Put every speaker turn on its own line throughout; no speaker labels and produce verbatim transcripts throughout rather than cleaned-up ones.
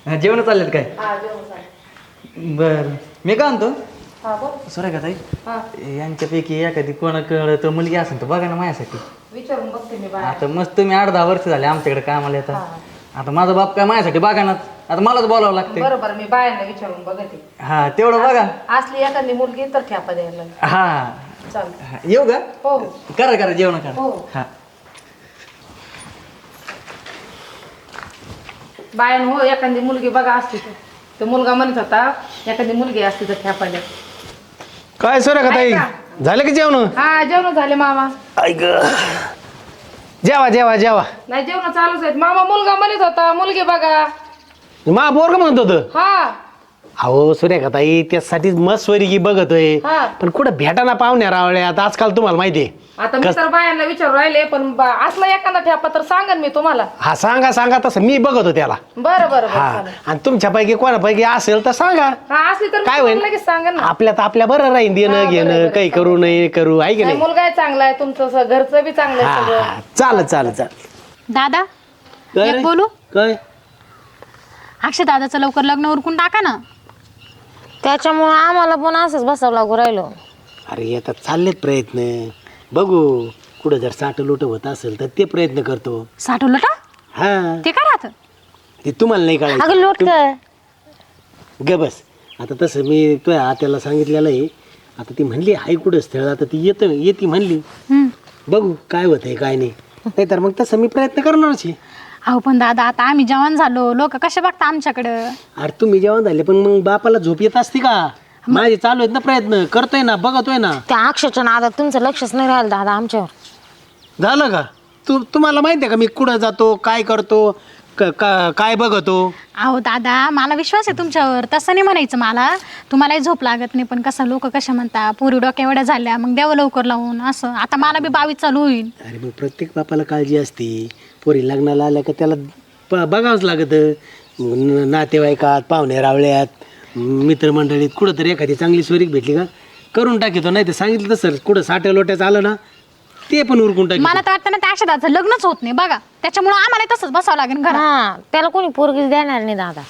जेवण चाललेत काय?
हा जेवण चालेल.
बर मी काय म्हणतो
हा बोल.
सुरेखा ताई
हा
यांच्यापैकी एखादी कोणाकडं तर मुलगी असेल तर बघा ना माझ्यासाठी.
विचारून बघते मी बाहेर.
आता मस्त तुम्ही आठ दहा वर्ष झाले आमच्याकडे कामाला येतात.
हा
आता माझा बाप काय माझ्यासाठी बघा ना, आता मलाच बोलावं लागते.
बरोबर मी बायांना विचारून बघते.
हा तेवढं बघा.
असली एखादी मुलगी तर ठ्यापा द्यायला
हा
चालतं.
हा, येऊ का?
हो
करा करा जेवण करा.
हो.
हा
बायान हो एखादी मुलगी बघा असती तर तो मुलगा म्हणत होता एखादी मुलगी असती तर ठ्यापा द्या.
काय सर का ताई
ऐका.
झालं की जेवण?
हा जेवण झाले मामा.
ऐक जेवा जेवा जेवा.
नाही जेवण चालूच आहेत मामा. मुलगा म्हणत होता मुलगी बघा.
मा बोर का म्हणत होतं?
हा
अहो सूर्यका ताई त्यासाठी मस्त स्वरीकी बघतोय,
हा.
पण कुठं भेटाना पाहुण्या रावळ्यात आजकाल तुम्हाला माहितीये.
आता मी तर बायांना विचारू राहिले पण बा- असला एखादा ठ्यापा तर सांगन मी तुम्हाला.
हा सांगा सांगा तसं मी बघतो त्याला.
बरं बरं
हा
बरं चालेल.
आणि तुमच्यापैकी कोणापैकी असेल तर सांगा.
हा असली तर
काय
मी
होईल?
तुम्हाला लगेच सांगन ना.
आपल्यात आपल्या बरं राहील
हा,
देणं
बरं,
घेणं
बरं,
काही
चालेल.
करू नये करू आहे की
नाही,
नाही.
मुलगा आहे चांगला आहे तुमचं स- घरचं बी चांगलं
हा
आहे सगळं.
हा चालत चालत चालत.
दादा
काय
एक
रे?
बोलू?
काय
अक्षय दादाचं लवकर लग्न उरकून टाका ना.
त्याच्यामुळे आम्हाला पण असंच बसावं लागू राहिलो.
अरे आता चाललेत प्रयत्न, बघू कुठं जर साठ लोट होत असेल तर ते प्रयत्न करतो.
साठवलं का
हा
ते काय राहतं?
ते तुम्हाला नाही
अगं
कळायचं.
लोट काय
ग बस आता तसं मी तुझ्या आत्याला सांगितलेलं आहे. आता ती म्हणली आई कुठं स्थळ, आता ती येतं येते म्हणली.
हम्म.
बघू काय होतंय काय नाही. नाहीतर मग तसं मी प्रयत्न करणारच आहे.
अहो पण दादा आता आम्ही जवान झालो, लोक कसे बघता आमच्याकडं?
अरे तुम्ही जेवण झाले पण मग बापाला झोप येत असते का? माझे चालू आहेत ना प्रयत्न, करतोय ना बघतोय ना.
त्या अक्षरच्या नादात तुमचं लक्षच नाही राहिलं दादा आमच्यावर.
झालं का? तू तुम्हाला माहिती आहे का मी कुठं जातो काय करतो क- का- काय बघतो?
अहो दादा मला विश्वास आहे तुमच्यावर, तसं नाही म्हणायचं मला. तुम्हालाही झोप लागत नाही पण कसं लोक कशा म्हणता पोरी डोक्या एवढ्या झाल्या मग द्यावं लवकर लावून असं. आता मला बी बावीस चालू होईल.
अरे मग प्रत्येक बापाला काळजी असते. पोरी लग्नाला आल्या का त्याला ब- बघावंच लागतं. न- नातेवाईकात पाहुणे रावळ्यात मित्रमंडळीत कुठंतरी एखादी चांगली स्वरीक भेटली का करून टाकीतो. नाही तर सांगितलं तसं कुठं साठ्या लोट्याचं आलं ना ते पण उरकून टाकी.
मला तर वाटतं ना त्या अक्षय दादाचं लग्नच होत नाही बघा. त्याच्यामुळे आम्हाला तसंच बसावं लागेल घरात.
हा त्याला कोणी पोरगीच देणार नाही दादा.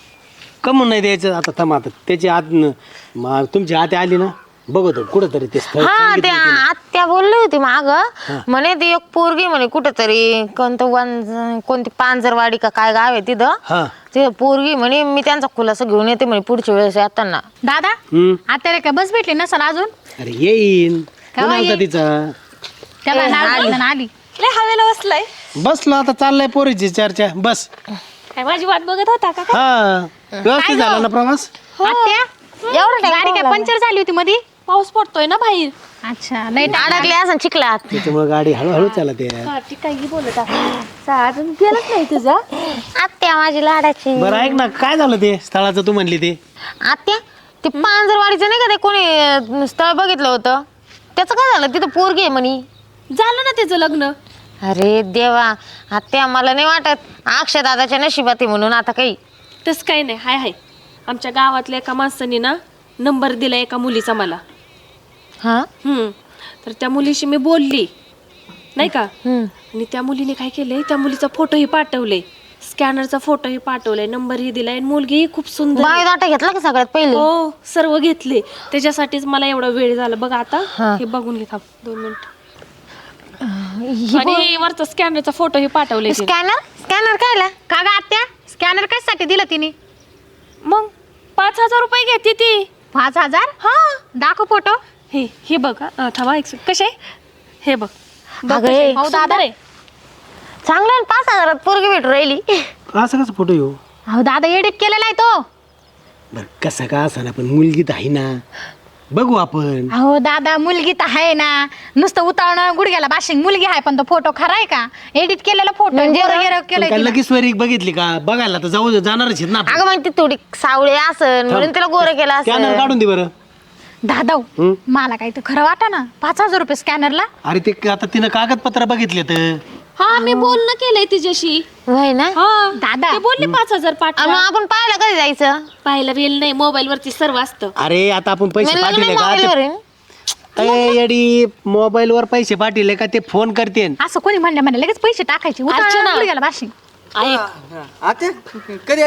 कमून नाही द्यायचं. आता थांबा आता त्याची आत न- मा- तुमची आत आली ना बघतो कुठंतरी ते स्थळ
हा
सांगितलं
त्या
तिला.
आत्या बोलली होती माग म्हणे ती एक पोरगी म्हणे कुठेतरी कोणतं वन कोणती पांजरवाडी का काय गाव आहे तिथं.
हा
ते पोरगी म्हणे मी त्यांचा खुलासा घेऊन येते म्हणे पुढच्या वेळेस येताना.
दादा
हम्म.
आता काय बस भेटली नसल अजून?
अरे येईन
केव्हा
कोण आलता
येईन?
तिचा?
त्याला नाव ना आली.
लय हवेला बसलाय.
बसलो आता चाललाय पोरीची चर्चा बस.
काय माझी वाट बघत होता का?
हा व्यवस्थित झाला ना प्रवास?
आत्या
एवढं
गाडी काय पंक्चर झाली होती मध्ये?
पाऊस पडतोय ना बाहेर.
अच्छा लय
अडकले असं चिखलात.
त्याच्यामुळे गाडी हळूहळू चालते.
ती काही बोलत आहे अजून गेलंच नाही तुझा.
आत्या माझी लाडाची.
बरं ऐक ना काय झालं ते स्थळाचं तू म्हणली ते?
आत्या ते पांजरवाडीचं नाही का ते कोणी अं, स्थळ बघितलं होतं त्याचं काय झालं? तिथं पोरगी आहे म्हणे.
झालं ना त्याचं लग्न.
अरे देवा आत्या मला नाही वाटत अक्षय दादाच्या नशिबात आहे म्हणून आता काही.
तसं काही नाही. हाय हाय आमच्या गावातल्या एका माणसाने ना नंबर दिला एका मुलीचा मला.
हा
हम्म तर त्या मुलीशी मी बोलली नाही का.
हम्म.
आणि त्या मुलीने काय केलंय त्या मुलीचा फोटोही पाठवले, स्कॅनरचा फोटोही पाठवलाय, नंबरही दिलाय आणि मुलगीही खूप सुंदर आहे.
बायोडाटा घेतला का सगळ्यात पहिले?
हो सर्व घेतले. त्याच्यासाठीच मला एवढा वेळ झाला बघ आता.
हा.
हे बघून घे थांब दोन मिनिट. आणि वरचा स्कॅनरचा फोटो हे पाठवले.
स्कॅनर स्कॅनर कायला?
का ग आत्या स्कॅनर कशासाठी दिलं तिने?
मग पाच हजार रुपये घेते ती.
पाच हजार? हा दाखव फोटो.
हे हे बघ हा, थांबा एक सेकंद. कसे हे बघ बघ
अगं,
कसे.
हे.
हो,
सुंदर
दादा.
आहे.
चांगलं आहे ना, पाच हजारात पोरगी भेटू राहिली.
असं कसं फोटो येऊ?
अहो दादा एडिट केलेला आहे तो.
बरं कसं का असा ना पण मुलगी तर आहे ना बघू आपण.
अहो दादा मुलगी तर आहे ना, नुसतं उतावणं गुडघ्याला बाशिंग मुलगी आहे पण तो फोटो खरा आहे का? एडिट केलेला फोटो
म्हणजे
केलंय
काय
तिनं.
लगेच स्वरीक बघितली का? बघायला तर जाऊ जाणारच आहेत ना आपण.
अगं मग ती थोडी सावळी असन म्हणून तिला गोरं केलं
स्कॅनर
असं.
काढून दे बरं.
दादा
हं?
मला काही तर खरं वाटा ना पाच हजार रुपये स्कॅनरला.
अरे ते आता तिनं कागदपत्र बघितले तर
हा मी बोलणं केलंय तिच्याशी.
होय ना?
हा
दादा.
ते बोलले पाच हजार
आणि मग
पाठवा.
आपण पाहायला कधी जायचं?
पाहायला वेळ नाही, मोबाईल वरती सर्व असतं.
अरे आता आपण पैसे
म्हणलं
पाठवले
नाही
का
मोबाईलवर आहे.
ते- ए, येडी मोबाईल वर पैसे पाठवले का ते फोन करते.
असं कोणी म्हणलं म्हणे लगेच पैसे टाकायचे
अर्चना.
उतावळं गुडघ्याला बाशिंग.
ऐक
आता कधी आली?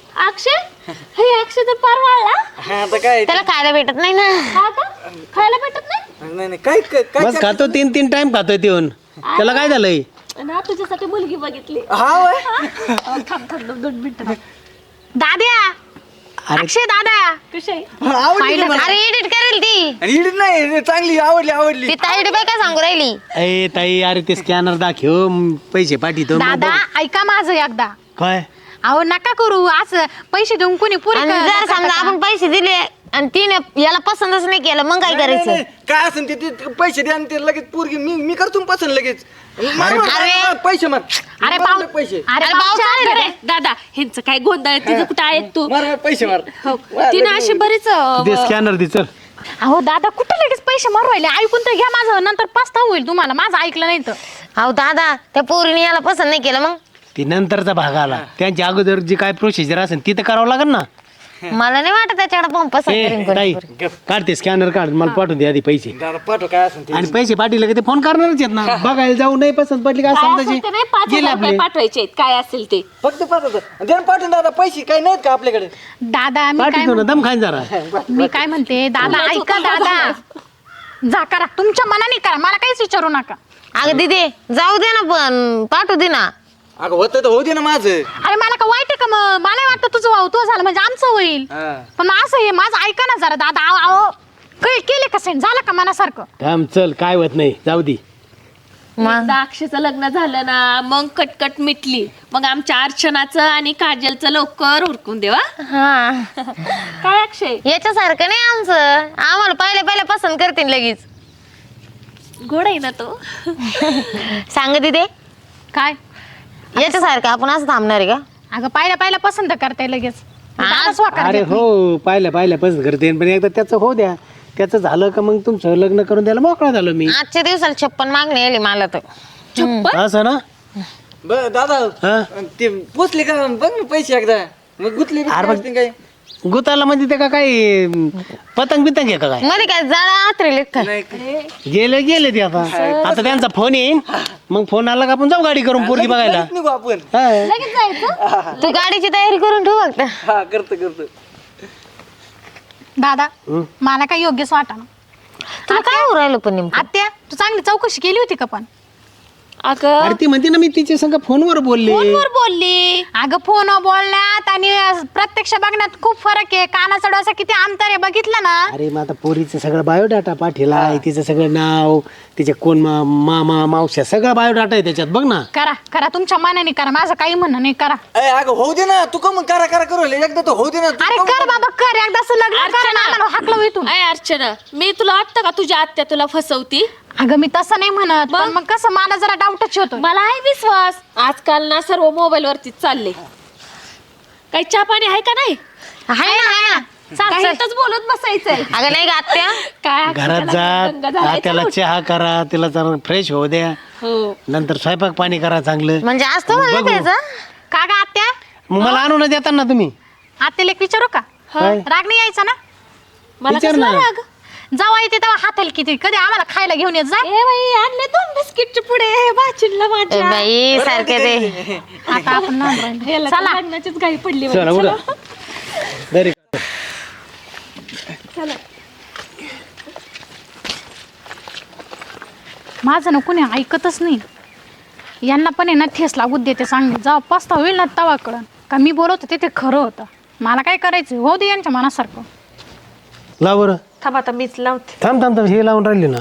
अक्षय हे अक्षय तर पार वाळला.
हा आता काय
त्याला खायला भेटत नाही ना.
हा का? खायला भेटत नाही
नाही नाही काय काय काय-
बस खातो तीन तीन टाइम खातोय तेऊन त्याला काय झालंय
ना तुझ्यासाठी मुलगी बघितली.
हा होय.
थांब थांब दोन दोन मिनिटं.
दाद्या
अरे
अक्षय दादा
कशी आहे?
हा, आवडली का मला?
अरे एडिट करेल ती.
आणि इडीत नाही चांगली आवडली आवडली
ती ताईडी बाई काय सांगू राहिली.
अय ताई अरे ते स्कॅनर दाखव म, पैसे पाठवतो मग
दादा
बघ.
ऐका माझं एकदा.
काय
अहो नका करू असं पैसे देऊन कोणी पुरी
आणि जर समजा आपण पैसे दिले आणि तिने याला पसंतच नाही केलं मग काय
नाही,
करायचं.
नाही, काय असेल ते ते पैसे द्या आणि ते लगेच पोरगी मी मी करतो ना पसंत लगेच मार, मार,
अरे.
मार, पैसे मार
अरे
मार,
पाऊ
मार, पैसे
अरे
अरे
पाहुणे
भाऊ,
आले
अरे
रे.
दादा ह्यांचं काय गोंधळ आहे, तिचं कुठं आहे तू?
मार मार, पैसे मार
हो
मार,
तिने
लगेच.
अशी बरीच अं,
दे स्कॅनर दे चल
अहो दादा कुठे लगेच पैसे मारू राहिले ऐकून तर घ्या माझं नंतर पस्ताव होईल तुम्हाला माझं ऐकलं नाही तर.
अहो दादा त्या पोरीने याला पसंत नाही केलं मग.
ती नंतरचा भाग आला त्यांच्या अगोदर जी काय प्रोसिजर असेल ती तर करावं लागेल ना
मला नाही वाटत त्याच्याकडे पण पसंत करेन
ए
कोणी.
ताई काढ ते स्कॅनर काढ मला पाठवून दे आधी पैसे
दादा पाठव काय असेल ते
आणि पैसे पाठवले का ते फोन करणारच आहेत ना बघायला जाऊ नाही पसंत पडली का
काय
समजायचे
असेल ते नाही, पाच
गेले
हजार
आपले
रुपये पाठवायचे आहेत, काय असेल ते.
फक्त पाठवतो दे ना पाठवून दादा पैसे काय नाहीत का आपल्याकडे
दादा मी काय
पाठवतो ना दम खाईन जरा
म्हण- मी काय म्हणते दादा ऐका दादा जा करा तुमच्या मनाने करा मला काहीच विचारू नका.
अगं दिदे जाऊ दे ना पण पाठवू दे ना.
अगं होतं तर होऊ दे ना माझं
अरे मला का वाईट आहे का मग मला वाटतं तुझं भाऊ तुझं झालं म्हणजे आमचं होईल
हा.
पण मग असं हे माझं ऐका ना जरा दादा अहो, अहो काही केले का सेंड झालं का मनासारखं.
थांब चल काय होत नाही जाऊ दे
एकदा अक्षयचं लग्न झालं ना मग कटकट मिटली, मग आमच्या अर्चनाचं आणि काजलचं लवकर उरकून देवा.
हा
काय अक्षय
याच्यासारखं नाही आमचं. आम्हाला पहिले पहिले पसंत करतील लगेच.
गोड आहे ना तो.
सांग दिदे
काय
याच्यासारखं आपण असं थांबणार आहे का.
अगं पाहिल्या पाहिल्या पसंत करताय लगेच दादाच वाकार
अरे
घेत नाही.
हो पाहिलं पाहिलं पसंत करते पण एकदा त्याचं हो द्या त्याचं झालं का मग तुमचं लग्न करून द्यायला मोकळा झालो मी
आजच्या दिवसाला छप्पन मागणी आली मला तर.
असं ना
बर दादा
हा
ते पोचले का बघ ना पैसे एकदा मग गुतले बी
अरे
काय
मग-
असतील काय
गुताला म्हणजे ते का काय पतंग बितंग आहे का काय
मध्ये काय जाळा आतरेल का.
नाही
गेले गेले ते आता आता त्यांचा फोन येईन मग फोन आला का आपण जाऊ गाडी करून पोरगी बघायला
लगेच निघू आपण
हा.
लगेच जायचं
तू गाडीची तयारी करून ठेव फक्त.
हा करतो करतो
दादा मला काय योग्यच वाटा
तुला काय होऊ राहिलं पण नेमकं.
आत्या तू चांगली चौकशी केली होती का पण.
अगं
अरे ती म्हणते ना मी तिच्या संग फोनवर बोलले
फोनवर बोलली.
अगं फोन बोलण्यात आणि प्रत्यक्ष बघण्यात खूप फरक आहे. कानाचा डोसा किती अंतर आहे बघितलं ना.
अरे मग आता पोरीचं सगळं बायोडाटा पाठीलाय तिचं सगळं नाव तिचे कोण मा- मामा मावश्या सगळं बायोडाटा आहे त्याच्यात बघ ना
करा करा तुमच्या मनाने करा माझं काही म्हणणं नाही करा.
ए अगं होऊ दे ना तू का मग करा करा करू राहिले? एकदा तर होऊ दे ना तू
अरे
का
कर
मग-
बाबा कर एकदा असं लग्न कर
अर्चना.
ना आम्हाला हाकलं इथून.
अय अर्चना मी तुला वाटतं का तुझ्या आत्या तुला फसवती?
अगं मी तसं नाही म्हणत पण मग कसं मला जरा डाऊटच होतो.
मला आहे विश्वास. आजकाल ना सर्व मोबाईल वरतीच चालले. काही चहा पाणी आहे का नाही?
हाय ना हाय ना.
चाल,
काही
चल.
इथंच बोलत बसायचंय.
अगं नाही का आत्या.
काय
घरात
अक्षताला
जा
दंगा झालाय
त्याला
का?
चहा करा तिला जरा फ्रेश होऊ द्या
हो
नंतर स्वयंपाक पाणी करा चांगलं
म्हणजे आज तो म्हणलं
बघू.
त्याचं.
का ग आत्या
मग मला आणून देता ना तुम्ही
आत्याला एक विचारू का
काय?
राग नाही यायचा ना.
मला
विचार
कसला
ना.
राग?
जेव्हा येते तेव्हा हाताला किती कधी आम्हाला खायला घेऊन येत जा.
ए बाई आणले दोन बिस्किटचे पुढे भाचीला
ए
माझ्या.
बाई सारखे ते.
आता आपण लहान राहिलो.
याला तर
चला
लग्नाचीच घाई पडली
चला
बाई.
उडा दरी
चला.
माझं ना कोणी ऐकतच नाही. यांना पण आहे ना ठेस लागू देते सांगते जेव्हा पस्ता होईल ना तवा कळण का मी बोलत होते ते खरं होतं. मला काय करायचं हो दे यांच्या मनासारखं.
लाव बरं
थांब आता मीच लावते.
थांब थांब थांब हे लावून राहिली ना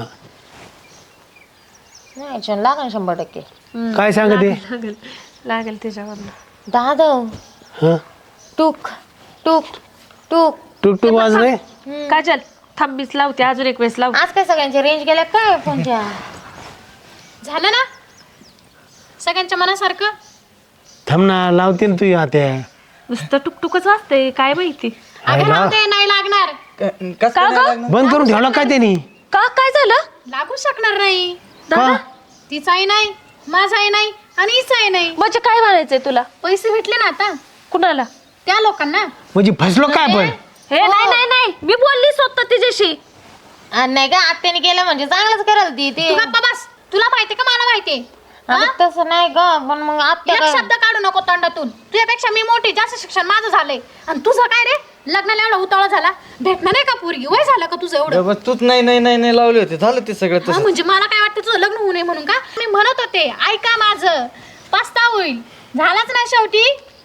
नाही छान लागेल शंभर टक्के.
काय सांगते
लागेल लागेल त्याच्यावर.
दादा
हा
टूक टूक टूक.
टुक टुक वाजले
काजल थांब मीच लावते अजून एक वेळेस लाव.
आज काय सगळ्यांची रेंज गेल्या काय फोनच्या.
झालं ना सगळ्यांच्या मनासारखं.
थांब ना लावते ना तू आत्या
नुसतं टुकटुकच वाजतंय काय माहिती.
अगं राहू दे, नाही लागणार.
कसं काय नाही लागणार?
बंद करून ठेवला काय त्यांनी
का काय झालं?
लागू शकणार नाही.
का
तिचाही नाही माझाही नाही आणि हिचाही नाही.
म्हणजे काय म्हणायचंय तुला?
पैसे भेटले ना आता
कुणाला?
त्या लोकांना.
म्हणजे फसलो काय पण
हे नाही नाही नाही मी बोलली स्वतः तिच्याशी.
आणि नाही का आत्याने केलं म्हणजे चांगलंच कराल ती ते.
तू गप्पा बस. तुला माहिती का मला माहिती.
अगं तसं नाही ग, पण मग आत्या
एक
काय
शब्द काढू नको तोंडातून. तुझ्यापेक्षा मी मोठी, जास्त शिक्षण माझं झालंय. आणि तुझं काय रे, लग्नाला एवढा उतावळा झाला, भेटणार नाही का पोरगी? वय झालं का तुझं एवढं?
बस तूच नाही नाही नाही नाही लावले होते, झालं ते सगळं
हा,
तसं.
म्हणजे मला काय वाटतं तुझं लग्न होऊ नये म्हणून का? मी म्हणत होते ऐका माझं, पस्ता होईल. झालाच ना शेवटी.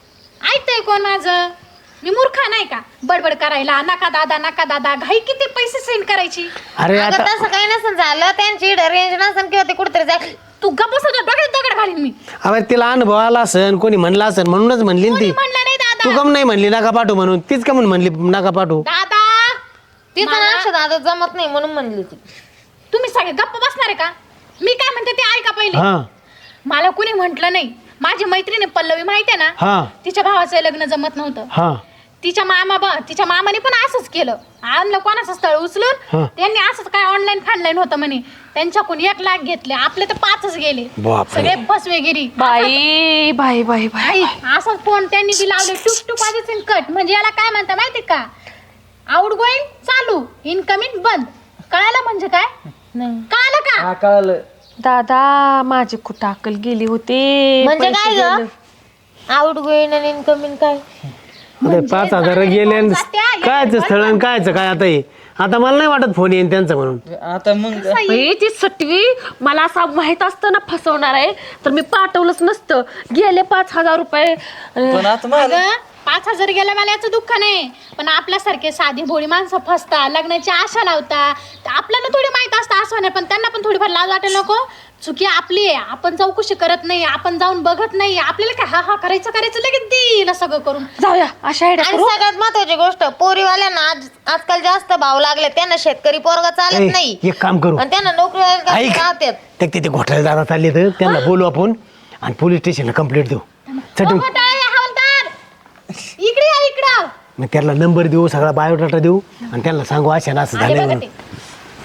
ऐकतंय कोण माझं? मी मूर्खा नाही का बडबड करायला? नका दादा नका दादा, घाई किती पैसे सेंड करायची.
अरे
अगं
आता
तसं काही नसेल झालं, त्यांची रेंज नसेल किंवा ते कुठेतरी जाय.
तू गप्प बस, डोक्यात दगड घालीन मी.
अरे तिला अनुभव आला असन, कोणी म्हणला असन म्हणूनच म्हणली ना ती.
म्हणलं नाही दादा.
तू कम नाही म्हणली नका पाठवू म्हणून, तीच का म्हणून म्हणली नका पाठवू?
दादा
तिचं ना दादा जमत नाही म्हणून म्हणली ती.
तुम्ही सगळे गप्प बसणार आहे का? मी काय म्हणते ते ऐका पहिले.
हा
मला कुणी म्हंटल नाही. माझी मैत्रीण पल्लवी माहिती आहे ना,
हा
तिच्या भावाचं लग्न जमत नव्हतं.
हा
तिच्या मामा बा तिच्या मामाने पण असंच केलं. आणलं कोणाचं स्थळ उचलून,
हा.
त्यांनी असंच काय ऑनलाईन फाडलाईन होतं म्हणे, त्यांच्याकडून एक लाख घेतले, आपले तर पाचच गेले.
बापरे.
सगळे फसवेगिरी.
बाई बाई बाई बाई
आई असं फोन त्यांनी बी लावले, टुक टुक वाजायचे कट. म्हणजे याला काय म्हणता माहिती का? आउट गोईंग चालू, इनकमिंग बंद. कळालं म्हणजे काय?
नाही
कळालं का?
हा कळालं.
दादा माझी कुठं अक्कल गेली होते.
म्हणजे
पैसे
काय
गेले.
ग, आउट गोईंग आणि इनकमिंग काय?
अरे पाच हजार गेले आणि कायचं स्थळ आणि कायचं काय आता हे? आता मला नाही वाटत फोन येईन त्यांचा म्हणून.
आता मग
बाई, ती सटवी मला असं माहित असतं ना फसवणार आहे तर मी पाठवलंच नसतं. गेले पाच हजार रुपये.
पण आता मला
अगं, पाच हजार गेला मला याचं दुःख नाही, पण आपल्यासारखे साधी भोळी माणसं फसता, लग्नाची आशा लावता. आपल्याला थोडी माहित असतं असं नाही, पण त्यांना पण थोडीफार लाज वाटेल नको. चुकी आपली आहे, आपण चौकशी करत नाही, आपण जाऊन बघत नाही. आपल्याला काय हा हा करायचं करायचं लगेच देईल सगळं करून.
जाऊया अशा आयडिया
आणि
करू.
सगळ्यात महत्वाची गोष्ट, पोरीवाल्यांना आज आजकाल जास्त भाव लागले. त्यांना शेतकरी पोरगा चालत
ए,
नाही
एक काम करू,
आणि त्यांना नोकरी
ऐक
राहतात.
ते तिथे घोटाळेदारात चालले तर त्यांना बोलू आपण आणि पोलीस स्टेशनला कंप्लेंट देऊ. चटून
ओ, घोटाळे, हवालदार, इकडे या इकडं.
मग त्याला नंबर देऊ, सगळा बायोडाटा देऊ आणि त्यांना सांगू अशा ना असं
आले
झालं
बघा
म्हणून.
ते.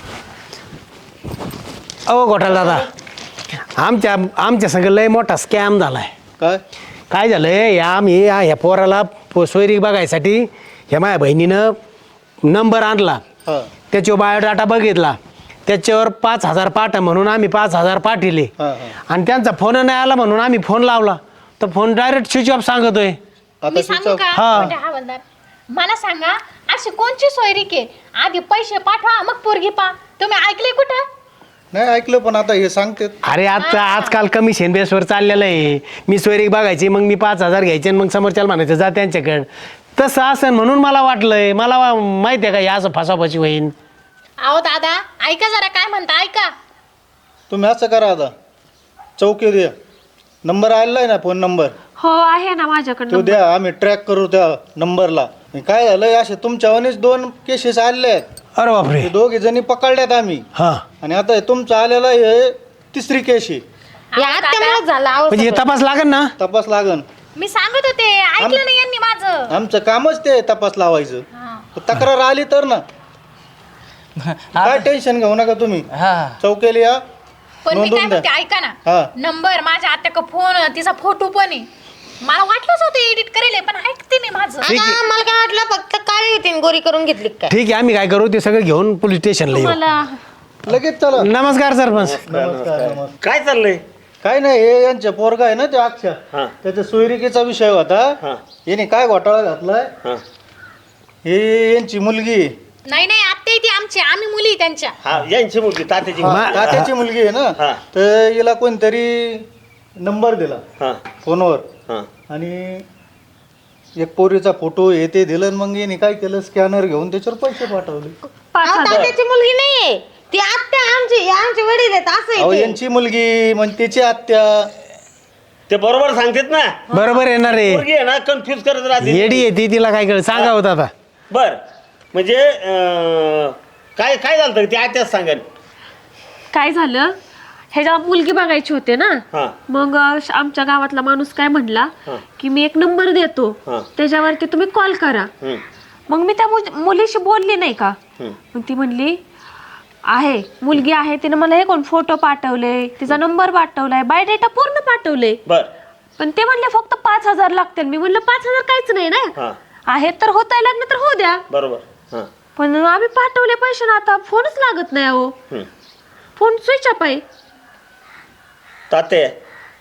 अहो घोटाळा दादा, आमच्या आमच्या सगळं लय मोठा स्कॅम झालाय.
काय
काय झालंय, या आम्ही या ह्या पोराला पो- सोयरी बघायसाठी ह्या माझ्या बहिणीनं नंबर आणला,
हा
त्याच्यावर बायोडाटा बघितला, त्याच्यावर पाच हजार पाठा म्हणून आम्ही पाच हजार पाठवले
हा, हा.
आणि त्यांचा फोन नाही आला म्हणून आम्ही फोन लावला तर फोन डायरेक्ट स्विच ऑफ सांगतोय.
आता
मी सांगू का
हा.
म्हणजे हवालदार, मला सांगा अशी कोणची सोयरी के आधी पैसे पाठवा मग पोरगी पा. तुम्ही ऐकले कुठं?
नाही ऐकलं, पण आता हे सांगते
अरे आता आजकाल कमिशन बेसवर चाललेलं आहे. मी सोयरी बघायची, मग मी पाच हजार घ्यायचे आणि मग समोरच्याला म्हणायचं जा त्यांच्याकडं. तसं असं म्हणून मला वाटलंय, मला वा- माहिती आहे का हे असं फसाफसी होईन.
अहो दादा ऐका जरा काय म्हणता ऐका.
तुम्ही असं करा, आता चौकी द्या, नंबर आलेला आहे ना, फोन नंबर
हो आहे ना माझ्याकडे
तो द्या, आम्ही ट्रॅक करू त्या नंबरला. आणि काय झालंय, असे तुमच्यावानीच दोन केसेस आलेले आहेत.
अरे बापरे.
ते दोघे जणी पकडल्यात आम्ही,
हा
आणि आता हे तुमचं आलेलं हे तिसरी केस आहे.
या आत्यामुळेच झाला अहो
म्हणजे हे
सगळं.
तपास लागेल ना?
तपास लागन.
मी सांगत होते ऐकलं नाही यांनी माझं.
आमचं कामच ते तपास लावायचं.
हा.
तक्रार आली तर ना, काय टेन्शन घेऊ नका तुम्ही.
हा
चौकेली या,
पण मी काय
नोंदवून
म्हणते
द्या.
ऐका
हा.
ना, नंबर माझ्या आत्याक फोन, तिचा फोटो पण आहे. मला वाटलंच होतं एडिट करेल, पण ऐकते मी माझं.
अगं, मला काय वाटलं फक्त काळी होती आणि गोरी करून घेतली काय.
ठीक आहे, आम्ही काय करू ते सगळं घेऊन पोलीस स्टेशनला येऊ.
मला
लगेच चला.
नमस्कार सरपंच.
नमस्कार नमस्कार.
काय चाललंय?
काय नाही, हे यांच्या पोरगा आहे ना ते अक्षा, त्याच्या सोयरिकेचा विषय होता. याने काय घोटाळा घातलाय, हे यांची मुलगी आहे.
नाही नाही आत्या ती आमची, आम्ही मुली त्यांच्या.
हा यांची मुलगी तात्याची
हा,
मा-
तात्याची मुलगी आहे
हा.
ना, तर हिला कोणतरी नंबर दिला
हा
फोनवर,
हा
आणि एक पोरीचा फोटो हे ते दिलं, आणि मग याने काय केलं, स्कॅनर घेऊन त्याच्यावर पैसे पाठवले.
पाच
अहो,
हजार
तात्याची मुलगी नाहीये ती, आत्या आमची आमची वडील आहेत असं
अहो
आहे ते.
यांची मुलगी म्हणजे त्याची आत्या.
ते बरोबर सांगतेत ना.
बरोबर येणार रे.
पोरगी आहे ना, कन्फ्युज करत राहते.
येडी आहे ती, तिला काय कळ सांगा होता आता.
बर म्हणजे अं, काय काय झालं ते आत्याच सांगेल.
काय झालं, ह्याच्या मुलगी बघायची होते ना.
हा
मग अं, आमच्या गावातला माणूस काय म्हणला की मी एक नंबर देतो,
हा.
त्याच्यावरती तुम्ही कॉल करा.
हम्म,
मग मी त्या मुल- मुलीशी बोलली नाही का.
हम्म.
मग ती म्हणली आहे मुलगी आहे, तिने मला हे कोण फोटो पाठवले, तिचा नंबर पाठवलाय, बायोडेटा पूर्ण पाठवले.
बर
पण ते म्हणले फक्त पाच हजार लागतील. मी म्हणलं पाच हजार काहीच नाही ना,
हा
आहे तर होताय लग्न तर होऊ द्या.
बरोबर. हा
पण आम्ही पाठवले पैसे ना, आता फोनच लागत नाही. अहो
हम्म.
फोन स्विच ऑफ आहे.
तात्या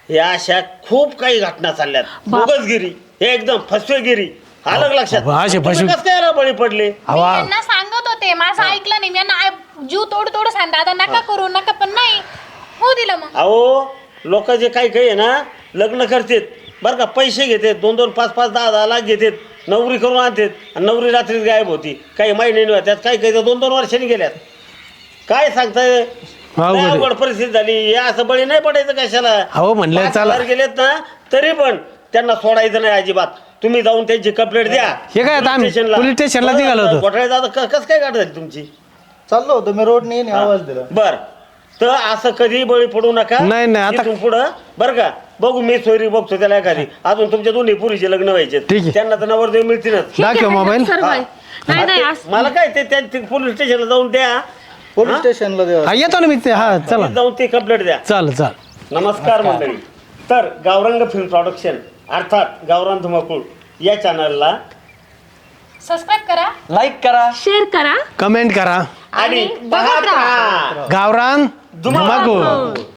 या अशा खूप काही घटना चालल्यात. बोगसगिरी, हे एकदम फसवेगिरी, आलं का लक्षात?
अहो, असे
तुम्ही
फसवे-
कसं काय याला बळी पडले?
मी
हवा
यांना सांगत होते माझं ऐकलं नाही मी यांना आ- जीव तोड तोड सांग दादा नका करू नका पण नाही हो दिलं मग.
अहो लोक जे काही काही आहे ना लग्न करतात बरं का, पैसे घेतात, दोन दोन पाच पाच दहा दहा लाख घेतात, नवरी करून आणतात आणि नवरी रात्रीच गायब होती. काही महिने होत्यात, काही काही तर दोन दोन वर्षांनी गेल्यात. काय सांगताय?
अवघड आहे.
अवघड परिस्थिती झाली. हे असं बळी नाही पडायचं कशाला.
अहो म्हणलं
पाच
चला.
हजार गेलेत ना तरी पण त्यांना सोडायचं नाही अजिबात. तुम्ही जाऊन त्यांची कंप्लेंट द्या.
हे काय आता आम्ही पोलीस स्टेशनला निघालो होतो.
घोटाळे कसं काय गाठ झाली तुमची?
चाललो होतो मी रोडने येणे आवाज दिला.
बर तर असं कधी बळी पडू नका.
नाही, नाही, आता-
इथून पुढं बरं का बघू मी सोयरी बघतो त्याला एखादी. अजून तुमच्या दोन्ही पुरीचे लग्न व्हायचे
ठीक आहे.
त्यांना तर नवरदेव मिळतीलच.
दाखव मोबाईल.
सर्व आहे. नाही नाही असं-
मला काय ते त्या पोलीस स्टेशनला जाऊन द्या.
पोलीस स्टेशनला द्या.
हा येतो ना मी ते हा चला
जाऊन ते कंप्लेंट द्या.
चाल चाल
नमस्कार मंडळी. तर गावरंग फिल्म प्रोडक्शन अर्थात गावरान धुमाकूळ या चॅनलला
सबस्क्राईब करा
लाईक करा.
शेअर करा
कमेंट करा
आणि बघत राहा
गावरान
धुमाकूळ.
धुमाकूळ